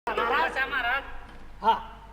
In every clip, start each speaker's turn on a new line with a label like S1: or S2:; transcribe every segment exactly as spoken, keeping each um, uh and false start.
S1: महाराज महाराज
S2: हा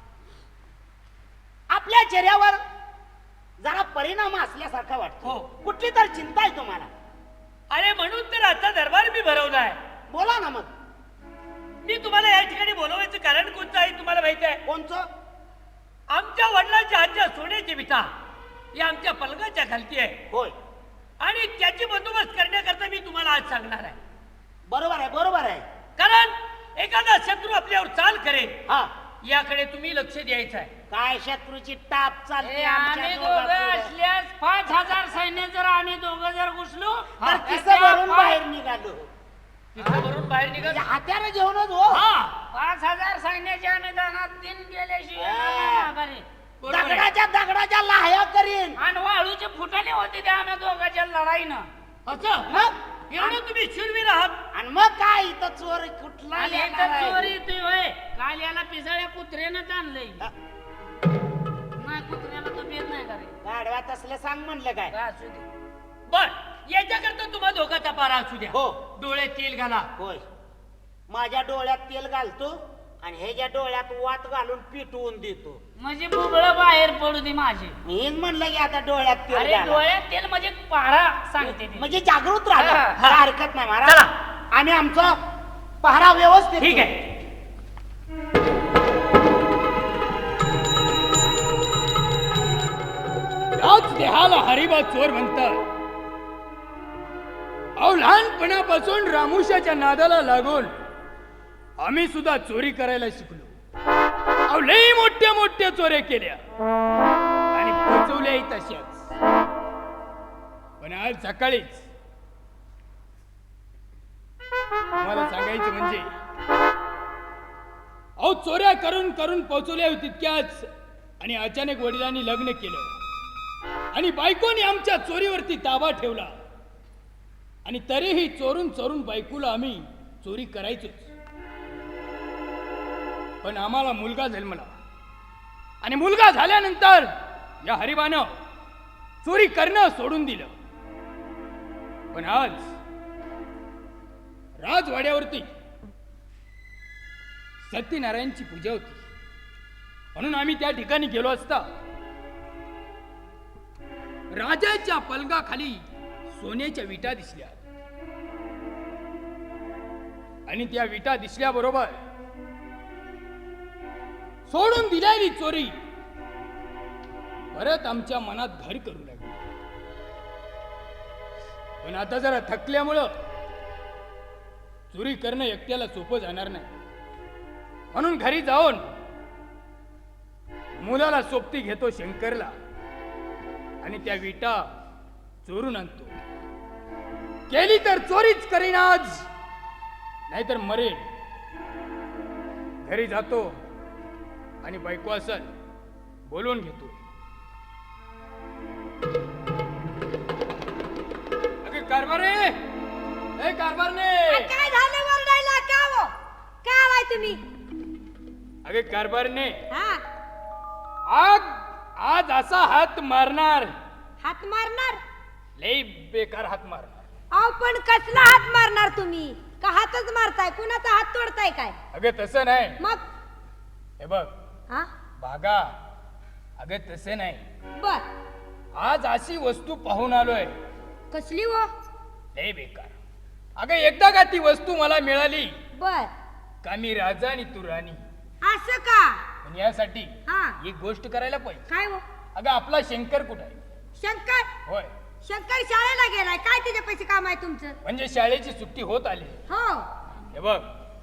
S2: आपल्या चेहऱ्यावर जरा परिणाम असल्यासारखा वाटतो.
S1: हो.
S2: कुठली तर चिंता आहे तुम्हाला?
S1: अरे म्हणून तर आता दरबार मी भरवलाय.
S2: बोला ना मग.
S1: मी तुम्हाला या ठिकाणी बोलवायचं कारण कोणतं आहे तुम्हाला माहिती आहे?
S2: कोणचं?
S1: आमच्या वडिलांच्या हातच्या सोन्याची विटा ही आमच्या पलंगाच्या खालती आहे
S2: होय.
S1: आणि त्याची बंदोबस्त करण्याकरता मी तुम्हाला आज सांगणार आहे.
S2: बरोबर आहे बरोबर आहे.
S1: कारण एखादा शत्रू आपल्यावर चाल करेल
S2: हा
S1: याकडे तुम्ही लक्ष द्यायचं आहे.
S2: काय शत्रूची टाप चालते
S3: ए,
S2: आमच्या
S3: आम्ही
S2: दोघांपुढं.
S3: दोघं असल्यास पाच हजार सैन्य जर आम्ही दोघं जर घुसलो
S2: तर
S3: तर
S2: किस्सा
S3: त्या
S2: भरून
S3: पाच-
S2: बाहेर निघालो.
S1: तिथं वरून बाहेर निघत
S2: म्हणजे हात्याला घेऊनच हो.
S1: हा
S3: पाच हजार सैन्याच्या अनुदानात तीन गेल्याशिवाय
S2: हा.
S3: नाही माघारी.
S1: बरोबर आहे.
S2: दगडाच्या दगडाच्या लाह्या करीन.
S3: आणि वाळूचे फुटाले होते ते आम्ही दोघांच्या लढाईनं.
S1: असं
S2: मग
S1: एवढं तुम्ही शूरवीर आहात.
S2: आणि मग काय इथं चोर कुठला
S3: आणि
S2: येणार
S3: इथं
S2: आहे?
S3: चोरी येतोय होय. काल याला पिसाळ्या कुत्र्यानं आणलंय.
S2: हा,
S3: नाही कुत्र्याला तो भेद नाही का रे?
S2: गाढवात असलं सांग म्हणलं काय?
S3: काय असू दे.
S1: बर याच्याकरता तुम्हाला धोकाचा पारा असू द्या.
S2: हो.
S1: डोळे तेल घाला.
S2: होय. माझ्या डोळ्यात तेल घालतो आणि ह्याच्या डोळ्यात वात घालून पिटवून देतो.
S3: म्हणजे बुबळ बाहेर पडू दे माझे.
S2: मीच म्हणलं की आता डोळ्यात तेल
S3: अरे
S2: घाला.
S3: डोळ्यात तेल म्हणजे पहारा सांगते ती.
S2: म्हणजे जागृत राहा.
S3: हा,
S1: हा.
S2: काय हरकत नाही महाराज.
S1: चला.
S2: आम्ही आमचा पहारा व्यवस्थित
S1: ठीक
S2: करू.
S1: आहे.
S4: याच देहाला हरिबा चोर म्हणतात. अहो लहानपणापासून रामुशाच्या नादाला लागून आम्ही सुद्धा चोरी करायला शिकलो. अहो लई मोठ्या मोठ्या चोऱ्या केल्या आणि पचवल्याही तशाच. पण आज सकाळीच मला सांगायचं म्हणजे अहो चोऱ्या करून करून पोचवल्या तितक्याच आणि अचानक वडिलांनी लग्न केलं आणि बायकोने आमच्या चोरीवरती ताबा ठेवला आणि तरीही चोरून चोरून बायकोला आम्ही चोरी करायचोच. पण आम्हाला मुलगा जन्मला आणि मुलगा झाल्यानंतर या हरिबानं चोरी करणं सोडून दिलं. पण आज राजवाड्यावरती सत्यनारायणची पूजा होती म्हणून आम्ही त्या ठिकाणी गेलो असता राजाच्या पलंगाखाली सोन्याच्या विटा दिसल्या आणि त्या विटा दिसल्याबरोबर सोडून दिलेली चोरी परत आमच्या मनात घर करू लागली. पण आता जरा थकल्यामुळं चोरी करणं एकट्याला सोपं जाणार नाही म्हणून घरी जाऊन मुलाला सोबती घेतो शंकरला आणि त्या विटा चोरून आणतो. केली तर चोरीच करीन आज, नाहीतर मरेन. घरी जातो आणि बायको असल बोलवून घेतो. अगे कारभारे, ए कारभारने,
S5: काय झालं वरडायला? का हो? का आलाय तुम्ही?
S4: अगे कारभारने,
S5: हा
S4: आग आज असा हात मारणार,
S5: हात मारणार?
S4: लई बेकार हात मारणार.
S5: अहो पण कसला हात मारणार तुम्ही? का हातच मारताय? कुणाचा हात तोडताय काय?
S4: अगे तसं नाही.
S5: मग
S4: हे बघ
S5: हा
S4: बागा, अगे तसे नाही.
S5: बर
S4: आज अशी वस्तू पाहून आलोय
S5: कसली हो?
S4: लय बेकार. अगं एकदा का ती वस्तू मला मिळाली
S5: बर
S4: का मी राजा आणि तू राणी.
S5: असं का?
S4: पण यासाठी
S5: हा
S4: एक गोष्ट करायला पाहिजे.
S5: काय हो?
S4: अगं आपला शंकर कुठे आहे?
S5: शंकर?
S4: होय,
S5: शंकर शाळेला गेलाय. काय त्याच्या पैसे काम आहे तुमचं?
S4: म्हणजे शाळेची सुट्टी होत आली.
S5: हो
S4: हे बघ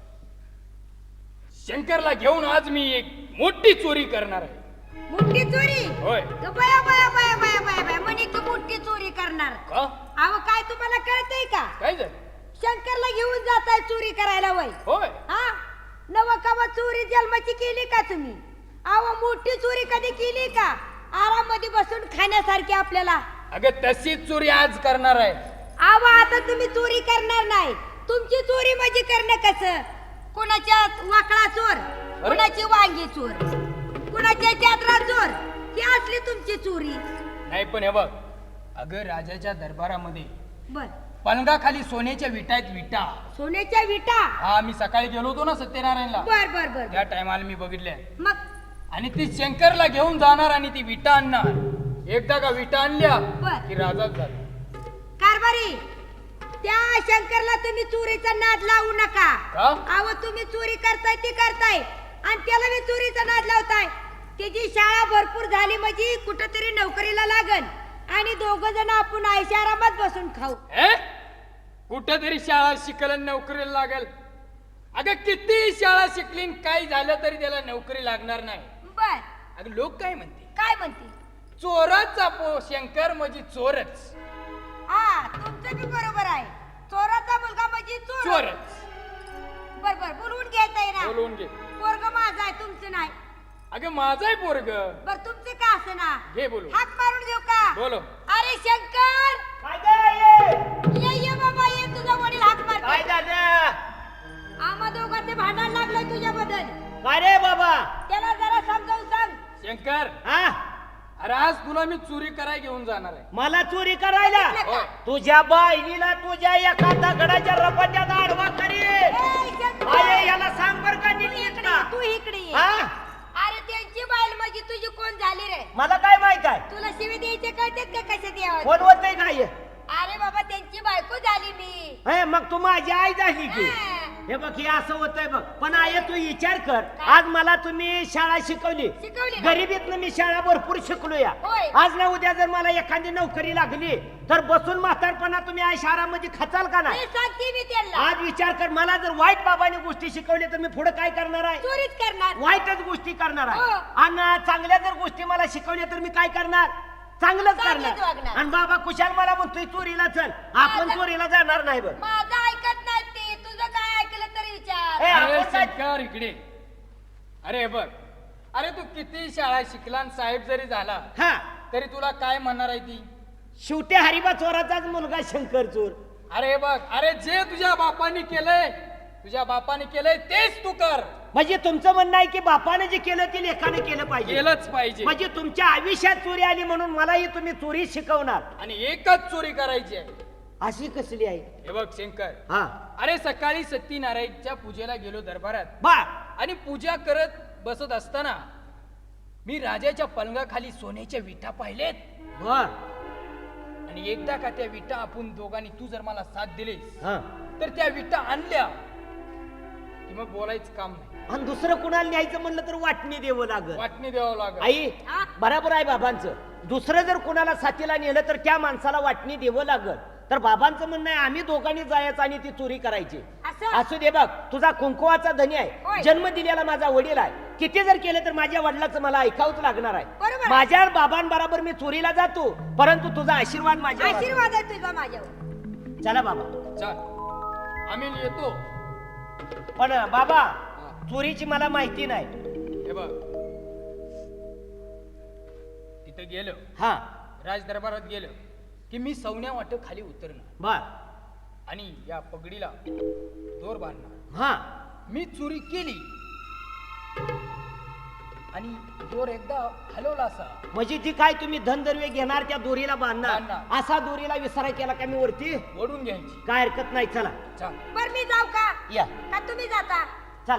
S4: शंकरला घेऊन आज मी एक मोठी चोरी करणार आहे.
S5: मोठी चोरी?
S4: होय.
S5: ग बया बया बया बया बया बया म्हणे तू मोठी चोरी करणार?
S4: का?
S5: अहो काय तुम्हाला कळतंय का?
S4: काय झालं?
S5: शंकरला घेऊन जाताय चोरी करायला वय?
S4: होय.
S5: हा नव कवा चोरी जन्माची केली का तुम्ही? अहो मोठी चोरी कधी केली का? आरामध्ये बसून खाण्यासारखी आपल्याला.
S4: अगं तशीच चोरी आज करणार आहे.
S5: अहो आता तुम्ही चोरी करणार नाही. तुमची चोरी म्हणजे करणं कसं? कुणाच्या वाकडा चोर, कुणाची वांगी चोर, कुणाच्या चादरा चोर, ही असली तुमची चोरी.
S4: नाही पण हे बघ अगं राजाच्या दरबारामध्ये
S5: बर
S4: पलंगाखाली सोन्याच्या विटा आहेत विटा.
S5: सोन्याच्या विटा.
S4: हा मी सकाळी गेलो होतो ना सत्यनारायणला,
S5: बर बर बर
S4: त्या टायमाला मी बघितल्या.
S5: मग
S4: आणि ती शंकरला घेऊन जाणार आणि ती विटा आणणार. एकदा का विटा आणल्या
S5: बर.
S4: की राजाच झाला.
S5: कारभारी, त्या शंकरला तुम्ही चोरीचा नाद लावू नका.
S4: का?
S5: अहो तुम्ही चोरी करताय ती करताय आणि त्याला मी चोरीचा नाद लावताय. त्याची शाळा भरपूर झाली म्हणजे कुठंतरी नोकरीला लागन आणि दोघ जण आपण आयशारामात बसून खाऊ.
S4: हे कुठेतरी शाळा शिकल आणि नोकरीला लागेल. अगं किती शाळा शिकली आणि काय झालं तरी त्याला नोकरी लागणार नाही.
S5: बर.
S4: अगं लोक काय म्हणते,
S5: काय म्हणते?
S4: चोराचा पो शंकर म्हणजे चोरच.
S5: हा तुमचं बी बरोबर आहे. चोराचा मुलगा म्हणजे चोर.
S4: चोरच.
S5: बर बर बोलवून घ्यायचंय ना.
S4: बोलवून घे.
S5: पोरग माझं आहे तुमचं नाही.
S4: अगं माझाय पोरग.
S5: बर तुमचं का असं ना.
S4: घे बोलू.
S5: हाक मारून देऊ का?
S4: बोलो.
S5: अरे शंकर,
S2: काय गं, ये?
S5: ये ये बाबा ये, तुझा वडील हाक
S2: काय
S5: मारतो.
S2: झालं?
S5: आम्हा दोघांचे भांडण लागलंय तुझ्याबद्दल.
S2: काय रे बाबा?
S5: त्याला जरा समजावून सांग.
S4: शंकर,
S2: हा
S4: अरे आज तुला मी चोरी करायला घेऊन जाणार आहे.
S2: मला चोरी करायला?
S4: होय.
S2: तुझ्या बहिणीला तुझ्या एका दगडाच्या रपाट्यात आडवा करी.
S5: ए, शंकर,
S2: अरे याला सांग बर का नीट
S5: तू
S2: नीट
S5: इकडे
S2: ना.
S5: ये, तू इकडे ये.
S2: हा?
S5: अरे त्यांची बाईल म्हणजे तुझी कोण झाली रे?
S2: मला काय माहित आहे?
S5: तुला शिवी द्यायचे कळतात का कशात यावं?
S2: कोण होतंय काय?
S5: अरे बाबा त्यांची बायको झाली मी.
S2: हे मग तू माझी आई झाली की.
S5: हा.
S2: हे बघ हे असं होतंय बघ. पण आय तू विचार कर, आज मला तुम्ही शाळा शिकवली.
S5: शिकवली ना?
S2: गरिबीतनं मी शाळा भरपूर शिकलो या.
S5: होय.
S2: आज ना उद्या जर मला एखादी नोकरी लागली तर बसून म्हातारपणा तुम्ही आई शहरामध्ये खचाल का नाही?
S5: मी सांगते मी त्यांना.
S2: आज विचार कर, मला जर वाईट बाबांनी गोष्टी शिकवल्या तर मी पुढे काय करणार आहे?
S5: चोरीच करणार.
S2: वाईटच गोष्टी करणार आहे.
S5: हो.
S2: आणि चांगल्या जर गोष्टी मला शिकवल्या तर मी काय करणार? चांगलंच
S5: चांगलंच
S2: करणार.
S5: वागणार.
S2: आणि बाबा कुशाल मला म्हणतोय चोरीला चल, आपण
S5: माझं-
S2: चोरीला जाणार नाही बघ.
S5: माझं ऐकत नाही ते. तुझं काय ऐकलं तरी विचार.
S2: ए,
S4: अरे
S2: आपण काय-
S4: शंकर इकडे. अरे हे बघ, अरे तू किती शाळा शिकला आणि साहेब जरी झाला
S2: हा,
S4: तरी तुला काय म्हणणार आहे ती?
S2: शेवटी हरिबा चोराचाच मुलगा शंकर चोर.
S4: अरे हे बघ, अरे जे तुझ्या बापाने केलंय, तुझ्या बापाने केलंय तेच तू कर.
S2: म्हणजे तुमचं म्हणणं आहे की बापाने जे केलं ते लेखाने केलं पाहिजे.
S4: केलंच पाहिजे.
S2: म्हणजे तुमच्या आयुष्यात चोरी आली म्हणून मलाही तुम्ही चोरी शिकवणार.
S4: आणि एकच चोरी करायची आहे.
S2: अशी कसली आहे?
S4: हे बघ शंकर,
S2: हा
S4: अरे सकाळी सत्यनारायणच्या पूजेला गेलो दरबारात
S2: बा
S4: आणि पूजा करत बसत असताना मी राजाच्या पलंगाखाली सोन्याच्या विटा पाहिलेत.
S2: बर
S4: आणि एकदा का त्या विटा आपण दोघांनी, तू जर मला साथ दिलीस
S2: हा.
S4: तर त्या विटा आणल्या की मग बोलायचं काम नाही.
S2: आणि दुसरं कुणाला न्यायचं म्हणलं तर वाटणी द्यावं लागल.
S4: वाटणी द्यावं लागत.
S2: आई
S5: हा?
S2: बराबर आहे बाबांचं. दुसरं जर कुणाला साथीला नेलं तर त्या माणसाला वाटणी द्यावं लागल. तर बाबांचं म्हणणं आहे आम्ही दोघांनी जायचं आणि ती चोरी करायची.
S5: असं?
S2: असू दे बघ, तुझा कुंकुवाचा धनी आहे,
S5: होय.
S2: जन्म दिलेला माझा वडील आहे. किती जर केलं तर माझ्या वडिलाचं मला ऐकावंच लागणार आहे.
S5: बरोबर.
S2: माझ्या बाबांबरोबर मी चोरीला जातो, परंतु तुझा आशीर्वाद माझ्या
S5: आशीर्वाद आहे तुझा माझ्यावर.
S2: चला बाबा.
S4: चल आम्ही येतो.
S2: पण बाबा चोरीची मला माहिती नाही.
S4: हे बघ, तिथं गेलो,
S2: हा
S4: राज दरबारात गेलो की मी सवन्या वाट खाली उतरणार
S2: बर
S4: आणि या पगडीला दोर बांधणार.
S2: हा
S4: मी चोरी केली आणि दोर एकदा हलवला असा,
S2: म्हणजे जी काय तुम्ही धनदर्वे घेणार त्या दोरीला बांधणार,
S4: बांधणार.
S2: असा दोरीला विसराय केला का मी वरती
S4: ओढून घ्यायची.
S2: काय हरकत नाही. चला
S4: चल.
S5: बर मी जाऊ का?
S2: या.
S5: का तुम्ही जाता?